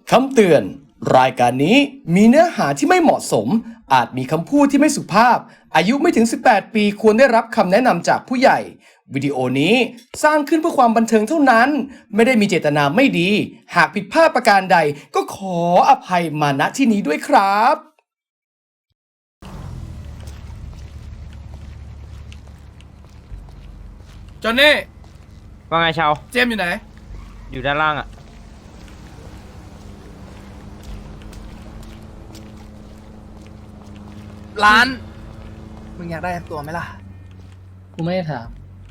คำเตือน รายการนี้มีเนื้อหาที่ไม่เหมาะสม อาจมีคำพูดที่ไม่สุภาพ อายุไม่ถึง 18 ปีควรได้รับคำแนะนำจากผู้ใหญ่ วิดีโอนี้สร้างขึ้นเพื่อความบันเทิงเท่านั้น ไม่ได้มีเจตนาไม่ดี หากผิดพลาดประการใด ก็ขออภัยมาณที่นี้ด้วยครับจอนนี่ว่าไงชาวเจมส์อยู่ไหนอยู่ด้านล่างอ่ะร้าน มึงอยากได้ตัวไหมล่ะกูไม่ได้ถาม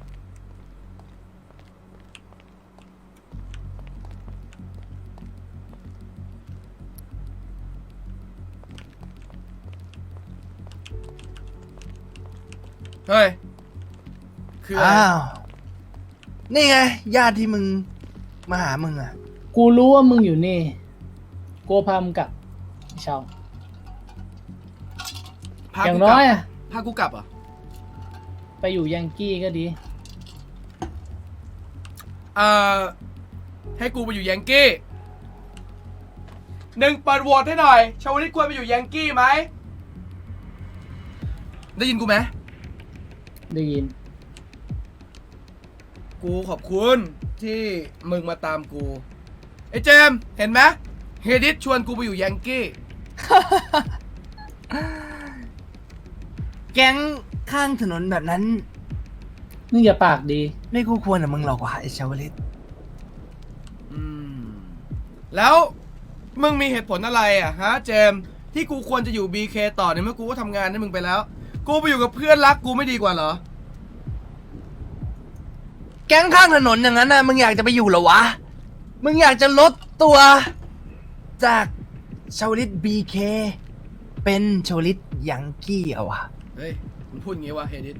เฮ้ย คืออะไรอ้าว นี่ไง ญาติที่มึงมาหามึงอ่ะกูรู้ว่ามึงอยู่นี่กูพามึงกลับเชาพาอย่ากูงกน้ลัอยอะพากูกลับเหรอ่ะไปอยู่ยังกี้ก็ดีให้กูไปอยู่ยังกี้หนึ่งเปิดโหวตให้หน่อย ชาวลิตควรไปอยู่ยังกี้ไหม ได้ยินกูไหมได้ยินกูขอบคุณที่มึงมาตามกูไอ้เจมส์เห็นไหมเฮดิสชวนกูไปอยู่ยังกี้แก๊งข้างถนนแบบนั้นมึงอย่าปากดีไม่คู่ควรกับมึงหรอกว่ะไอ้ชาวลิตแล้วมึงมีเหตุผลอะไรอ่ะฮะเจมส์ที่กูควรจะอยู่ BK ต่อในเมื่อกูก็ทำงานให้มึงไปแล้ว กูไปอยู่กับเพื่อนรักกูไม่ดีกว่าเหรอแก๊งข้างถนนอย่างนั้นน่ะ มึงอยากจะไปอยู่เหรอวะ มึงอยากจะลดตัว จากชาวลิต BK เป็นชาวลิตยังกี้เหรอวะเฮ้ยมึงพูดอย่างงี้วะเฮดิส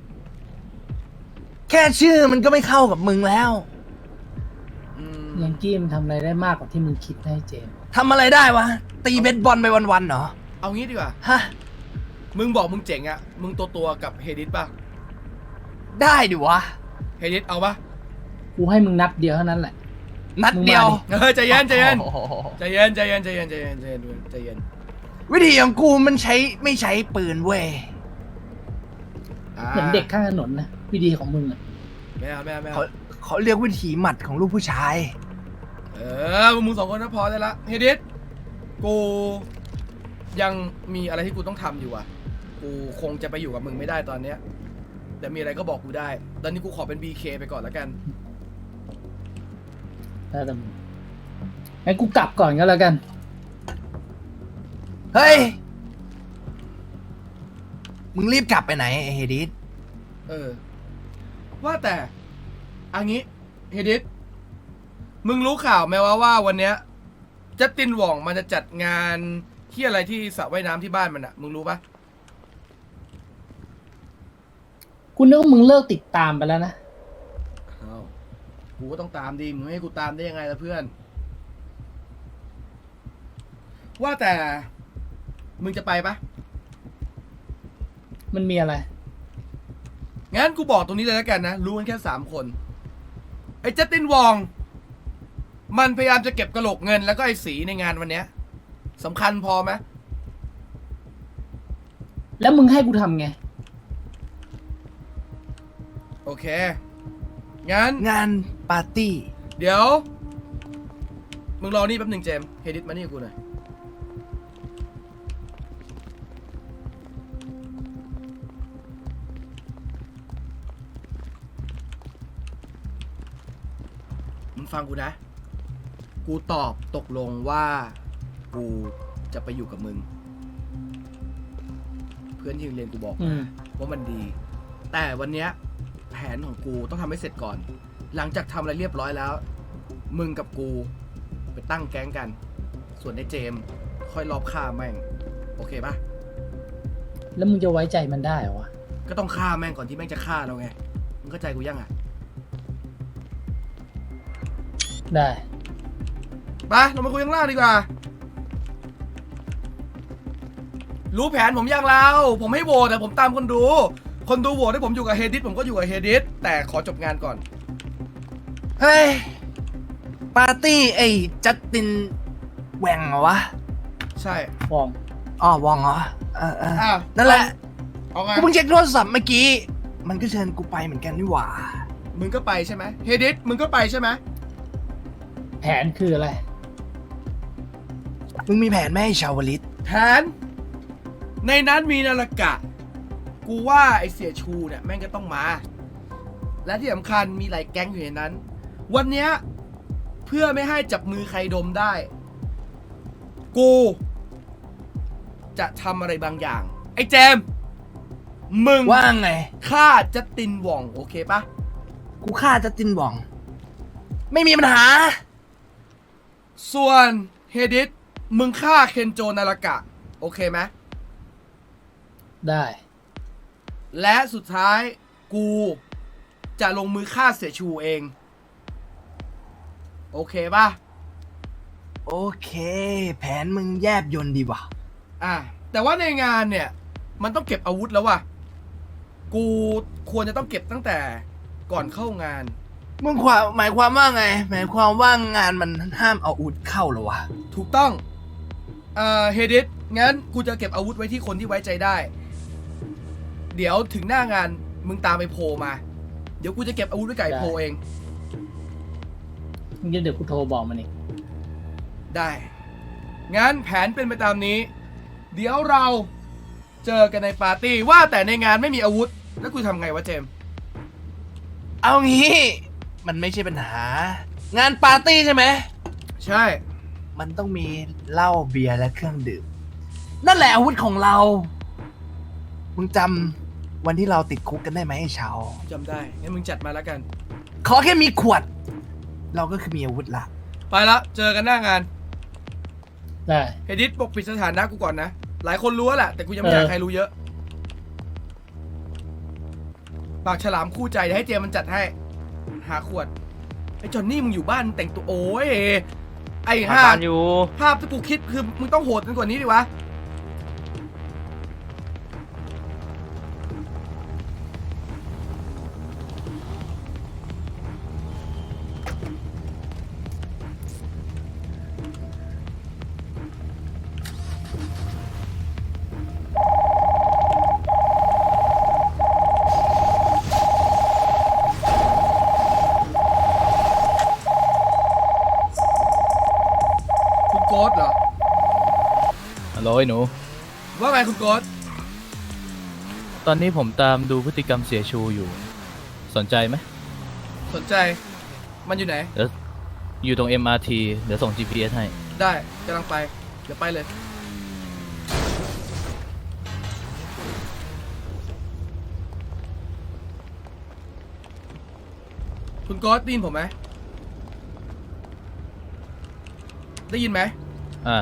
แค่ชื่อมันก็ไม่เข้ากับมึงแล้วยังกี้มันทำอะไรได้มากกว่าที่มึงคิดให้เจมส์ทำอะไรได้วะ ตีเบสบอลไปวันๆเหรอเอางี้ดีกว่าฮะมึงบอกมึงเจ๋งอ่ะ มึงตัวกับเฮดิสป่ะได้ดิวะเฮดิสเอาป่ะกูให้มึงนัดเดียวเท่านั้นแหละนัดเดียวมึงมาดิใจเย็นใจเย็นโอ้โหใจเย็นใจเย็นใจเย็นใจเย็นใจเย็นใจเย็นวิธีของกูมันไม่ใช้ปืนเว้ยเหมือนเด็กข้างถนนนะวิธีของมึงอะไม่เอาไม่เอาไม่เอาเขาเรียกวิธีหมัดของลูกผู้ชายมึงสองคนก็พอได้ละเฮดิสกูยังมีอะไรที่กูต้องทำอยู่อ่ะ กูคงจะไปอยู่กับมึงไม่ได้ตอนเนี้ยแต่มีอะไรก็บอกกูได้ ตอนนี้กูขอเป็น BK ไปก่อนแล้วกันถ้าแต่มึงงั้นกูกลับก่อนก็แล้วกันเฮ้ย มึงรีบกลับไปไหนไอ้เฮดิสว่าแต่อันนี้เฮดิสมึงรู้ข่าวไหมว่าวันเนี้ยจัสตินหว่องมันจะจัดงานที่อะไรที่สระว่ายน้ำที่บ้านมันอะมึงรู้ปะกูนึกว่ามึงเลิกติดตามไปแล้วนะอ้าวกูก็ต้องตามดีมึงไม่ให้กูตามได้ยังไงล่ะเพื่อน ว่าแต่มึงจะไปปะมันมีอะไรงั้นกูบอกตรงนี้เลยแล้วกันนะ รู้กันแค่3 คนไอ้จัสตินวอง มันพยายามจะเก็บกระโหลกเงินแล้วก็ไอ้สีในงานวันเนี้ยสำคัญพอไหมแล้วมึงให้กูทำไงโอเค งั้นงานปาร์ตี้เดี๋ยว มึงรอนี่แป๊บหนึ่งเจมส์เฮดิสมานี่กับกูหน่อยมึงฟังกูนะ กูตอบตกลงว่ากูจะไปอยู่กับมึง เพื่อนที่โรงเรียนกูบอกอืมว่ามันดี แต่วันเนี้ยแผนของกูต้องทำให้เสร็จก่อน หลังจากทำอะไรเรียบร้อยแล้ว มึงกับกูไปตั้งแก๊งกัน ส่วนไอ้เจมส์ค่อยรอบฆ่าแม่ง โอเคปะแล้วมึงจะไว้ใจมันได้เหรอวะก็ต้องฆ่าแม่งก่อนที่แม่งจะฆ่าเราไง มึงเข้าใจกูยังอ่ะได้ไปเรามาคุยข้างล่างดีกว่า รู้แผนผมยังเราผมให้โหวตแต่ผมตามคนดู คนดูโหวตให้ผมอยู่กับเฮดิสผมก็อยู่กับเฮดิสแต่ขอจบงานก่อนเฮ้ย ปาร์ตี้ไอ้จัสตินแหว่งเหรอวะใช่ฟองอ๋อวองเหรออ้าวนั่นแหละเอาไงกูเพิ่งเช็คโทรศัพท์เมื่อกี้ มันก็เชิญกูไปเหมือนกันนี่หว่ามึงก็ไปใช่ไหมเฮดิสมึงก็ไปใช่ไหมแผนคืออะไรมึงมีแผนไหมไอ้ชาวลิตแผนในนั้นมีนาฬกะ กูว่าไอเสียชูเนี่ยแม่งก็ต้องมา และที่สำคัญมีหลายแก๊งอยู่ในนั้น วันเนี้ยเพื่อไม่ให้จับมือใครดมได้ กูจะทำอะไรบางอย่าง ไอ้เจมส์มึงว่าไงฆ่าจัสตินหว่องโอเคปะกูฆ่าจัสตินหว่อง ไม่มีปัญหาส่วนเฮดิสมึงฆ่าเคนโจนาฬกะ โอเคไหมได้และสุดท้ายกูจะลงมือฆ่าเสียชูเอง โอเคป่ะโอเค แผนมึงแยบยนต์ดีว่ะแต่ว่าในงานเนี่ยมันต้องเก็บอาวุธแล้วว่ะ กูควรจะต้องเก็บตั้งแต่ก่อนเข้างานมึงหมายความว่าไง หมายความว่างานมันห้ามเอาอาวุธเข้าเหรอวะถูกต้องเฮดิสงั้นกูจะเก็บอาวุธไว้ที่คนที่ไว้ใจได้ เดี๋ยวถึงหน้างานมึงตามไปโพลมา เดี๋ยวกูจะเก็บอาวุธไว้ไก่โพลเองงั้นเดี๋ยวกูโทรบอกมันอีกได้ งั้นแผนเป็นไปตามนี้ เดี๋ยวเราเจอกันในปาร์ตี้ว่าแต่ในงานไม่มีอาวุธ แล้วกูทำไงวะเจมส์เอางี้ มันไม่ใช่ปัญหา งานปาร์ตี้ใช่ไหมใช่มันต้องมีเหล้าเบียร์และเครื่องดื่ม นั่นแหละอาวุธของเรา มึงจำวันที่เราติดคุกกันได้ไหมไอ้ชาวจำได้ งั้นมึงจัดมาแล้วกันขอแค่มีขวด เราก็คือมีอาวุธละไปละเจอกันหน้างานได้เฮดิสปกปิดสถานะกูก่อนนะ หลายคนรู้แล้วแหละ แต่กูยังไม่อยากให้ใครรู้เยอะ ปากฉลามคู่ใจเดี๋ยวให้เจมส์มันจัดให้ หาขวด ไอ้จอนนี่มึงอยู่บ้านแต่งตัวโอ้ย ไอ้มาห่าบ้านอยู่ภาพที่กูคิดคือมึงต้องโหดกันกว่านี้ดิวะ คุณโกสเหรอฮัลโหลไอ้หนูว่าไงคุณโกสตอนนี้ผมตามดูพฤติกรรมเสียชูอยู่ สนใจไหมสนใจ มันอยู่ไหนเดี๋ยวอยู่ตรง MRT เดี๋ยวส่ง GPS ให้ได้กำลังไป เดี๋ยวไปเลย คุณโกสได้ยินผมไหม ได้ยินไหมอ่า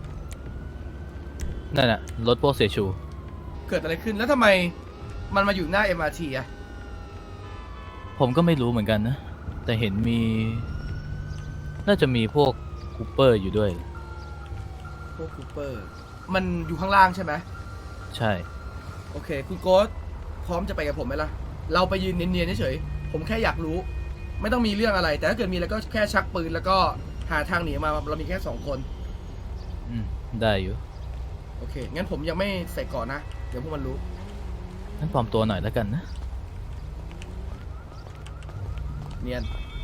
นั่นน่ะ รถพวกเสียชูเกิดอะไรขึ้นแล้วทำไมมันมาอยู่หน้า MRT อ่ะผมก็ไม่รู้เหมือนกันนะ แต่เห็นมี น่าจะมีพวกคูเปอร์อยู่ด้วยพวกคูเปอร์ มันอยู่ข้างล่างใช่ไหมใช่โอเค คุณโกสพร้อมจะไปกับผมไหมล่ะ เราไปยืนเนียนๆเฉยๆผมแค่อยากรู้ ไม่ต้องมีเรื่องอะไร แต่ถ้าเกิดมีแล้วก็แค่ชักปืนแล้วก็หาทางหนีมา เรามีแค่2 คนอืม ได้อยู่โอเค งั้นผมยังไม่ใส่ก่อนนะ เดี๋ยวพวกมันรู้งั้นปลอมตัวหน่อยแล้วกันนะเนียน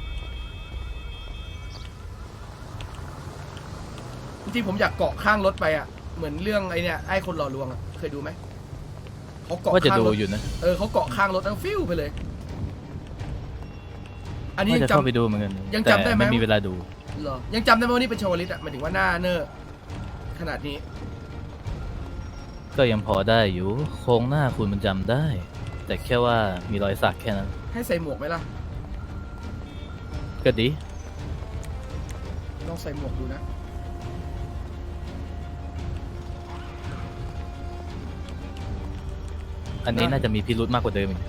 จริงๆผมอยากเกาะข้างรถไปอ่ะ เหมือนเรื่องไอเนี่ยไอ้คนหล่อลวงอ่ะ เคยดูไหมเขาเกาะว่าจะข้างดูรถอยู่นะเขาเกาะข้างรถแล้วฟิวไปเลย อันนี้ว่ายังจะเข้าไปจำดูเหมือนกันยังแต่จำได้ไหมไม่มีเวลาดูเหรอ ยังจำได้ไหมว่านี่เป็นชาวลิตอ่ะหมายถึงว่าหน้าเนอร์ขนาดนี้ก็ยังพอได้อยู่ โครงหน้าคุณมันจำได้ แต่แค่ว่ามีรอยสักแค่นั้นให้ใส่หมวกไหมล่ะก็ดีลองใส่หมวกดูนะอันนี้น่าจะมีพิรุธมากกว่าเดิมอีก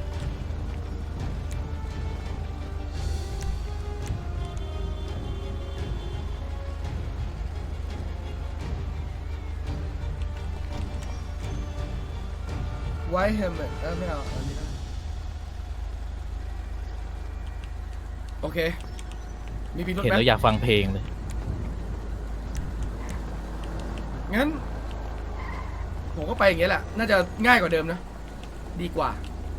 ไวท์เฮลเมตไม่เอาอันนี้นะโอเค มีพิรุธเห็นไหมแล้วอยากฟังเพลงเลยงั้น ผมก็ไปอย่างเงี้ยแหละ น่าจะง่ายกว่าเดิมนะ ดีกว่า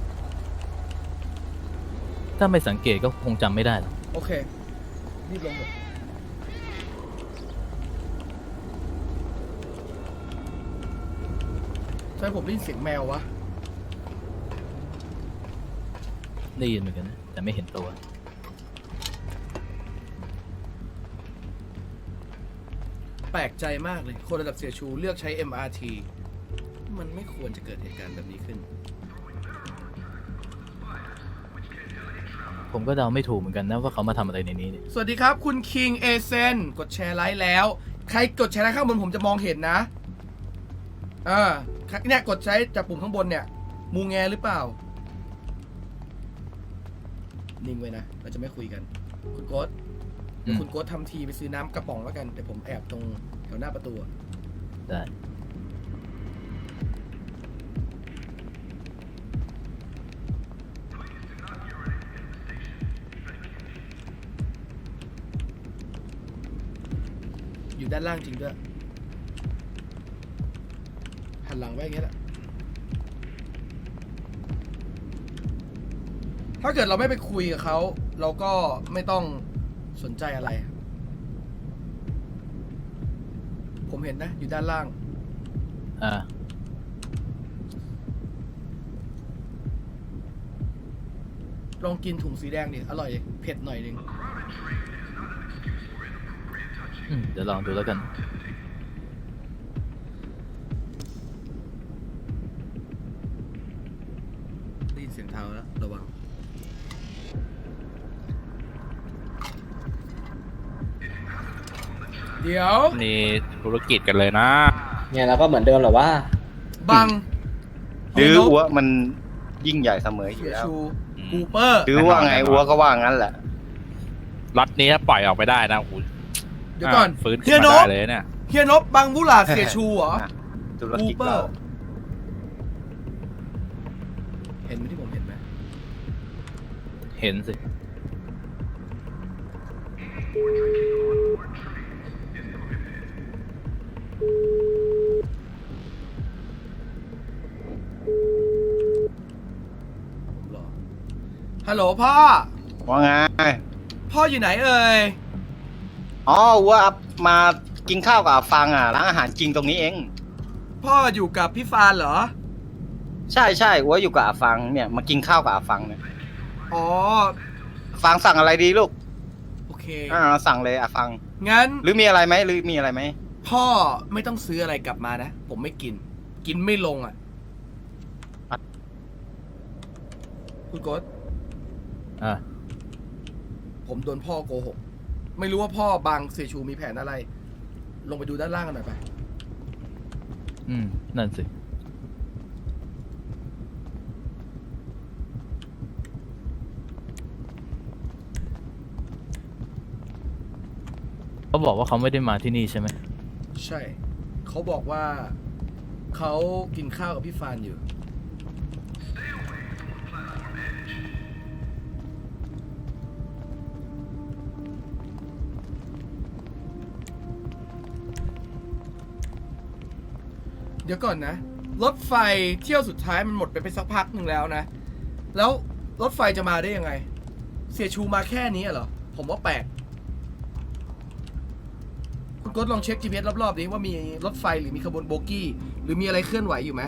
ถ้าไม่สังเกตก็คงจำไม่ได้หรอกโอเค รีบลงเถอะใช่ผมได้ยินเสียงแมววะได้ยินเหมือนกันนะแต่ไม่เห็นตัวแปลกใจมากเลย คนระดับเสียชูเลือกใช้ MRT มันไม่ควรจะเกิดเหตุการณ์แบบนี้ขึ้นผมก็เดาไม่ถูกเหมือนกันนะว่าเขามาทำอะไรในนี้เนี่ยสวัสดีครับ คุณคิงเอเซนกดแชร์ไลค์แล้ว ใครกดแชร์ไลค์ข้างบนผมจะมองเห็นนะเนี่ยกดใช้จากปุ่มข้างบนเนี่ย มูแงหรือเปล่า นิ่งไว้นะ เราจะไม่คุยกัน คุณโกดเดี๋ยวคุณโกดทำทีไปซื้อน้ำกระป๋องแล้วกันแต่ผมแอบตรงแถวหน้าประตูอะได้อยู่ด้านล่างจริงด้วย หันหลังไว้อย่างเงี้ยแหละ ถ้าเกิดเราไม่ไปคุยกับเขา เราก็ไม่ต้องสนใจอะไร ผมเห็นนะ อยู่ด้านล่างอ่าลองกินถุงสีแดงดิ อร่อยดิเผ็ดหน่อยนึงเดี๋ยวลองดูแล้วกันได้ยินเสียงเท้าแล้ว ระวัง เดี๋ยวนี่ธุรกิจกันเลยนะเนี่ยเราก็เหมือนเดิมแหละว่าบังดื้อเฮียนกอัวมันยิ่งใหญ่เสมออยู่เสียแล้วชูกูเปอร์ดื้อว่าไงอัวก็ว่างั้นแหละล็อตนี้ถ้าปล่อยออกไปได้นะโอ้โหเดี๋ยวก่อนฟื้นเฮีขึ้ยนนมาก ได้เลยเนี่ยเฮียนบบังบุหลาดเสียชูเหรอธุรกูกิจเปอเราร์ เห็นไหมที่ผมเห็นไหมเห็นสิหรอฮัลโหลพ่อว่าไงพ่ออยู่ไหนเอ่ยอ๋ออัวมากินข้าวกับอาฟังอ่ะร้านอาหารจริงตรงนี้เองพ่ออยู่กับพี่ฟานเหรอใช่ใช่อัวอยู่กับอาฟังเนี่ยมากินข้าวกับอาฟังเนี่ยอ๋ออาฟังสั่งอะไรดีลูกโอเคสั่งเลยอาฟังงั้นหรือมีอะไรไหมหรือมีอะไรไหมพ่อไม่ต้องซื้ออะไรกลับมานะ ผมไม่กิน กินไม่ลงอ่ะ คุณโกดอ่าผมโดนพ่อโกหก ไม่รู้ว่าพ่อบางเสียชูมีแผนอะไร ลงไปดูด้านล่างกันหน่อยไปนั่นสิ เขาบอกว่าเขาไม่ได้มาที่นี่ใช่ไหมใช่ เขาบอกว่า เขากินข้าวกับพี่ฟานอยู่ เดี๋ยวก่อนนะ รถไฟเที่ยวสุดท้ายมันหมดไปสักพักหนึ่งแล้วนะ แล้วรถไฟจะมาได้ยังไง เสียชูมาแค่นี้เหรอ ผมว่าแปลก คุณกดลองเช็ค GPS รอบๆดิว่ามีรถไฟหรือมีขบวนโบกี้ หรือมีอะไรเคลื่อนไหวอยู่ไหม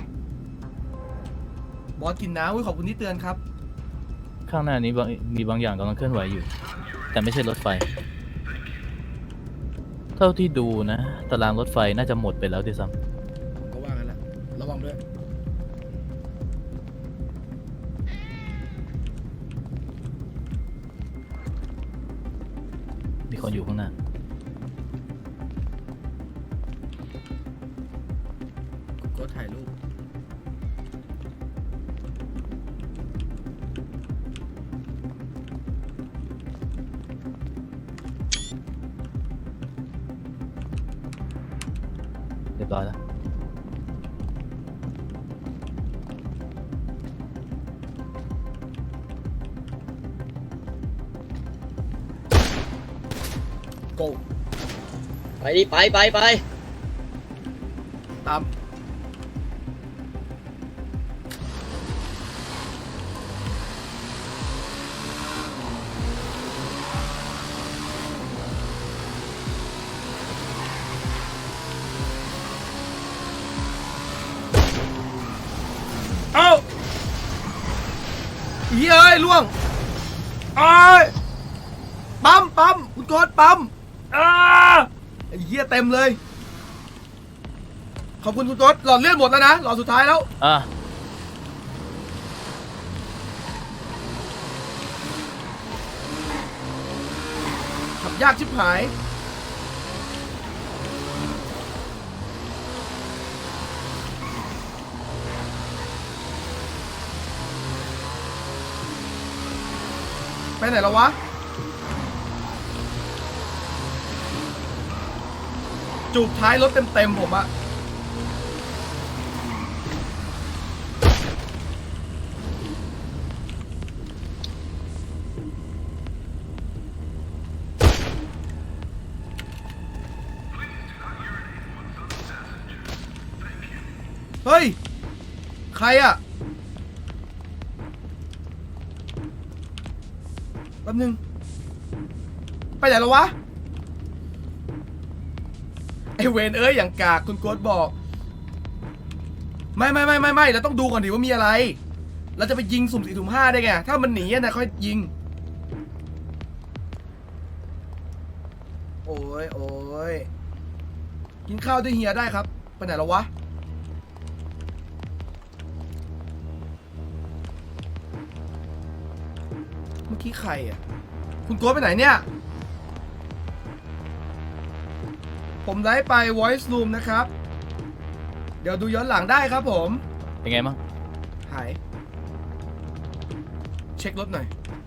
บอสกินน้ำอุ๊ยขอบคุณที่เตือนครับข้างหน้านี้มีบางอย่างกำลังเคลื่อนไหวอยู่ แต่ไม่ใช่รถไฟ เท่าที่ดูนะ ตารางรถไฟน่าจะหมดไปแล้วด้วยซ้ผมก็ว่ากันแหละระวังด้วยำมีคนอยู่ข้างหน้าคุณกดถ่ายรูปเรียบร้อยแล้ว go ไปดิไปตามเอ้าเฮ้ยเอ้ยล่วงเอ้ยปั๊มคุณโกดปั๊มไอ้เหี้ยเต็มเลยขอบคุณคุณโกดหลอดเลือดหมดแล้วนะหลอดสุดท้ายแล้วอ่ะขับยากชิบหายไปไหนแล้ววะจูบท้ายรถเต็มผมอะเฮ้ย ใครอะแป๊บนึง ไปไหนแล้ววะ ไอเวนเอ้ยอย่างกากคุณโกดบอก ไม่เราต้องดูก่อนดิว่ามีอะไร เราจะไปยิงสุ่ม4สุ่ม5ได้ไง ถ้ามันหนีนะค่อยยิง โอ้ยกินข้าวด้วยเฮียได้ครับ ไปไหนแล้ววะ เมื่อกี้ใครอ่ะ คุณโกดไปไหนเนี่ย ผมได้ไป voice room นะครับ เดี๋ยวดูย้อนหลังได้ครับผมเป็นไงบ้างหาย เช็ครถหน่อย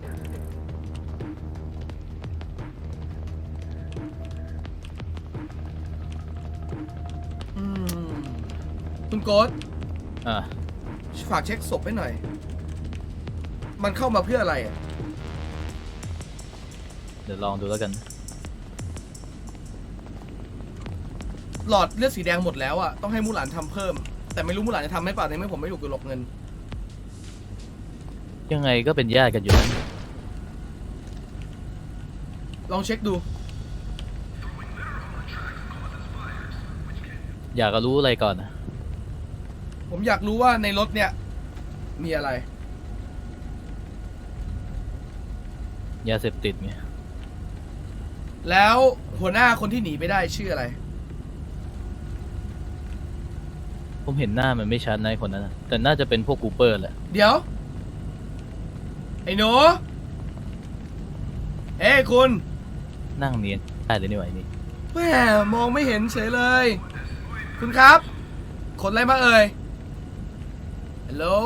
คุณโกดอ่ะฝากเช็คศพให้หน่อย มันเข้ามาเพื่ออะไรอ่ะเดี๋ยวลองดูแล้วกันหลอดเลือดสีแดงหมดแล้วอ่ะ ต้องให้มูหลานทำเพิ่ม แต่ไม่รู้มูหลานจะทำไหมเปล่าในเมื่อผมไม่ถูกกฎหลบเงินยังไงก็เป็นญาติกันอยู่นะลองเช็คดูอยากจะรู้อะไรก่อนนะผมอยากรู้ว่าในรถเนี่ย มีอะไรยาเสพติดไงแล้วหัวหน้าคนที่หนีไปได้ชื่ออะไรผมเห็นหน้ามันไม่ชัดนะไอ้คนนั้นนะแต่น่าจะเป็นพวกกูเปอร์แหละเดี๋ยว ไอ้หนู เอ้ยคุณนั่งเนียนได้เลยนี่หว่าไอ้นี่แหมมองไม่เห็นเฉยเลย คุณครับขนอะไรมาเอ่ย ฮัลโหล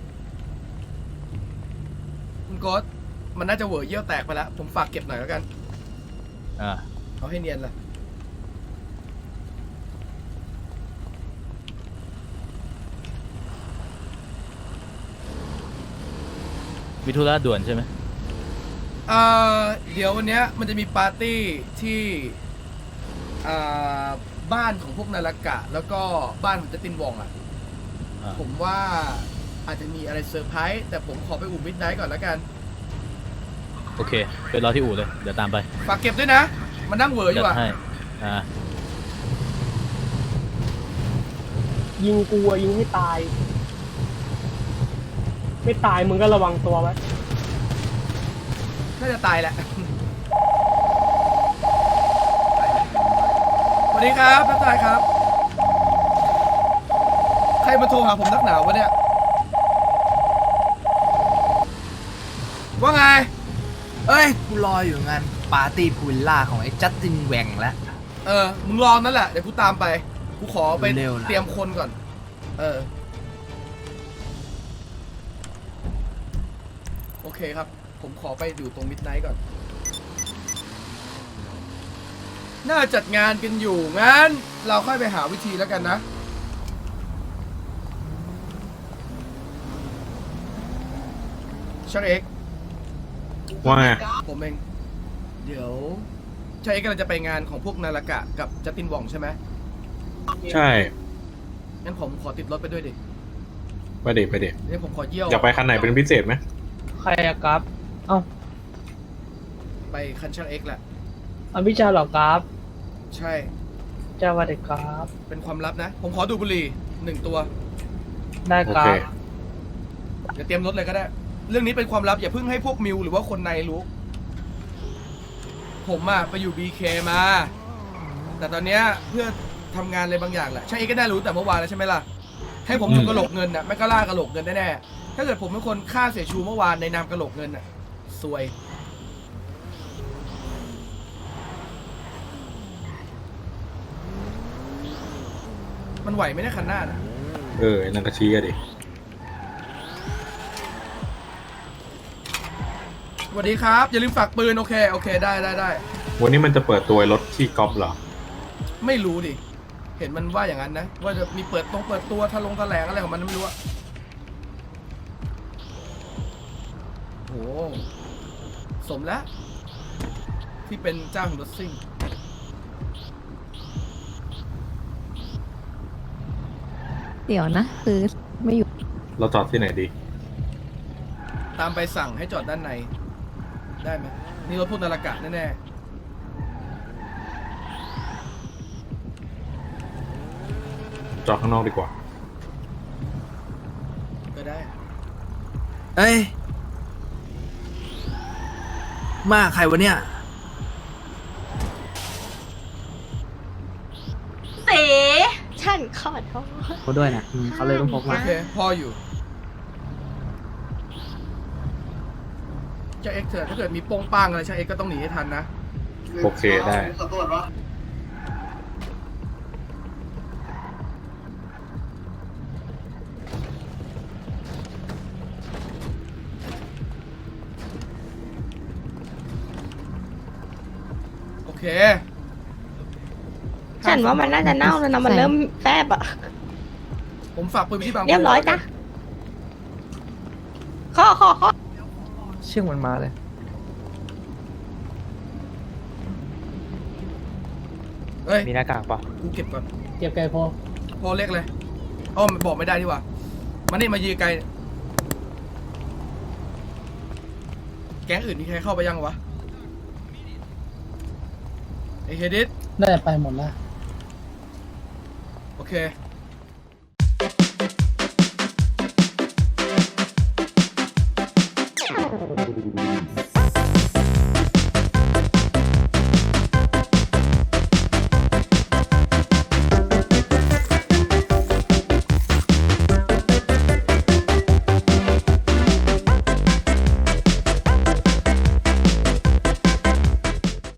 คุณโกดมันน่าจะเหวอเยี่ยวแตกไปแล้ว ผมฝากเก็บหน่อยแล้วกันอ่ะเอาให้เนียนเลยมีธุระด่วนใช่ไหมเดี๋ยววันเนี้ยมันจะมีปาร์ตี้ที่บ้านของพวกนารากะ แล้วก็บ้านของเจตินวองอ่ะอ่ะผมว่าอาจจะมีอะไรเซอร์ไพรส์แต่ผมขอไปอู่มิดไนท์ก่อนแล้วกันโอเคไปรอที่อู่เลย เดี๋ยวตามไปฝากเก็บด้วยนะ มันนั่งเหวออจัยู่ดอ่ะให้ อ่ะยิงกูอะยิงให้ตาย ไม่ตายมึงก็ระวังตัวไว้น่าจะตายแหละ สวัสดีครับทักทายครับ ใครมาโทรหาผมนักหนาวะเนี่ย ว่าไงเอ้ย กูรออยู่งานปาร์ตี้พูลล่าของไอ้จัสตินแหวงแล้วมึงรอนั่นแหละ เดี๋ยวกูตามไป กูขอไปเร็วๆล่ะเตรียมคนก่อน โอเคครับ ผมขอไปอยู่ตรงมิดไนท์ก่อน น่าจัดงานกันอยู่ งั้น เราค่อยไปหาวิธีแล้วกันนะ ชักเอ็กซ์ว่าไงผมเอง เดี๋ยวชักเอ็กซ์กำลังจะไปงานของพวกนารากะกับจัสตินวองใช่ไหมใช่งั้นผมขอติดรถไปด้วยดิไปเด็ไปเด็นี่ผมขอเยี่ยวอยากไปคันไหนเป็นพิเศษไหมใครอะครับ เอ้าไปคันช่างเอ็กแหละอภิชาเหรอครับใช่เจ้าวัดครับเป็นความลับนะ ผมขอดูดบุหรี่1 ตัวได้โอครัเคบเดี๋ยวเตรียมรถเลยก็ได้ เรื่องนี้เป็นความลับอย่าเพิ่งให้พวกมิวหรือว่าคนในรู้ ผมอะไปอยู่ BK มา แต่ตอนเนี้ยเพื่อทำงานอะไรบางอย่างแหละช่างเอ็กก็ได้รู้แต่เมื่อวานแล้วใช่ไหมล่ะ ให้ผมถูกกระโหลกเงินน่ะไม่ก็ล่ากระโหลกเงินแน่ๆถ้าเกิดผมเป็นคนฆ่าเสียชูเมื่อวานในนามกระโหลกเงินน่ะซวย มันไหวไหมเนี่ยคันหน้าน่ะไอ้นังกระชี้อะดิสวัสดีครับ อย่าลืมฝากปืนโอเคโอเคได้วันนี้มันจะเปิดตัวรถที่ก๊อฟเหรอไม่รู้ดิ เห็นมันว่าอย่างนั้นนะ ว่าจะมีเปิดตัวทะลงแถลงอะไรของมันไม่รู้อะโหสมแล้ว ที่เป็นเจ้าของรถซิ่งเดี๋ยวนะ คือไม่อยู่เราจอดที่ไหนดีตามไปสั่งให้จอดด้านใน ได้ไหมนี่รถพวกนารากะแน่จอดข้างนอกดีกว่าๆก็ได้เอ้ย มาใครวะเนี่ยเต๋ฉันขอโทษเขาด้วยนะเขาเลยต้องพกโอมาเคพออยู่เจ้าเอ็กเถอะถ้าเกิดมีโป้งป้างอะไรช่างเอ็กก็ต้องหนีให้ทันนะโอเคได้โอเคฉันว่ามันน่าจะเน่าแล้วนะ มันเริ่มแฟบอ่ะผมฝากปืนไปที่บางเรียบร้อยจ้ะข้อเชื่องมันมาเลยเฮ้ยมีหน้ากากปะกูเก็บก่อนเก็บไก่พอพอเล็กเลยอ้อมบอกไม่ได้ดีกว่ามานี่มายืนไกล แก๊งอื่นมีใครเข้าไปยังวะไอเฮดิสน่าจะไปหมดแล้วโอเค